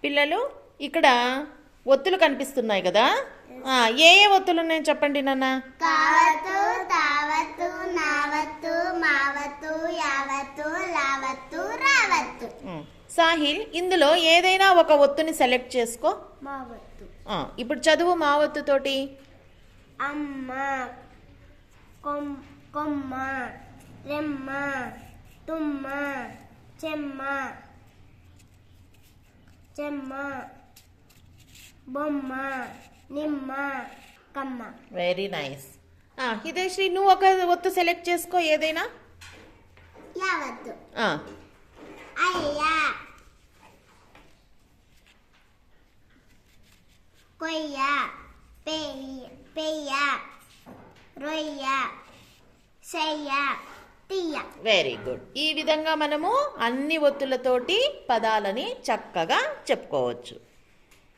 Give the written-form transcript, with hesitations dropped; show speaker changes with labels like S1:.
S1: పిల్లలు ఇక్కడ ఒత్తులు కనిపిస్తున్నాయి కదా, ఏ ఏ ఒత్తులు ఉన్నాయో చెప్పండి నాన్న.
S2: కావత్తు, తావత్తు, నావత్తు, మావత్తు, యావత్తు, లావత్తు, రావత్తు.
S1: సాహిల్, ఇందులో ఏదైనా ఒక ఒత్తుని సెలెక్ట్ చేసుకో.
S2: మావత్తు.
S1: ఇప్పుడు చదువు మా ఒత్తు తోటి.
S2: అమ్మ, కొమ్మ, రెమ్మ, తుమ్మ, చెమ్మ, బొమ్మ, నిమ్మ, కమ్మ.
S1: Very nice. హితేశ్రీ, నువ్వు ఒక ఒత్తు సెలెక్ట్ చేసుకో ఏదైనా.
S2: యావత్తు. అయ్య, కొయ్య, పెయ్య, రొయ్య, చెయ్య, తీయ.
S1: Very good. ఈ విధంగా మనము అన్ని ఒత్తులతోటి పదాలని చక్కగా చెప్పుకోవచ్చు.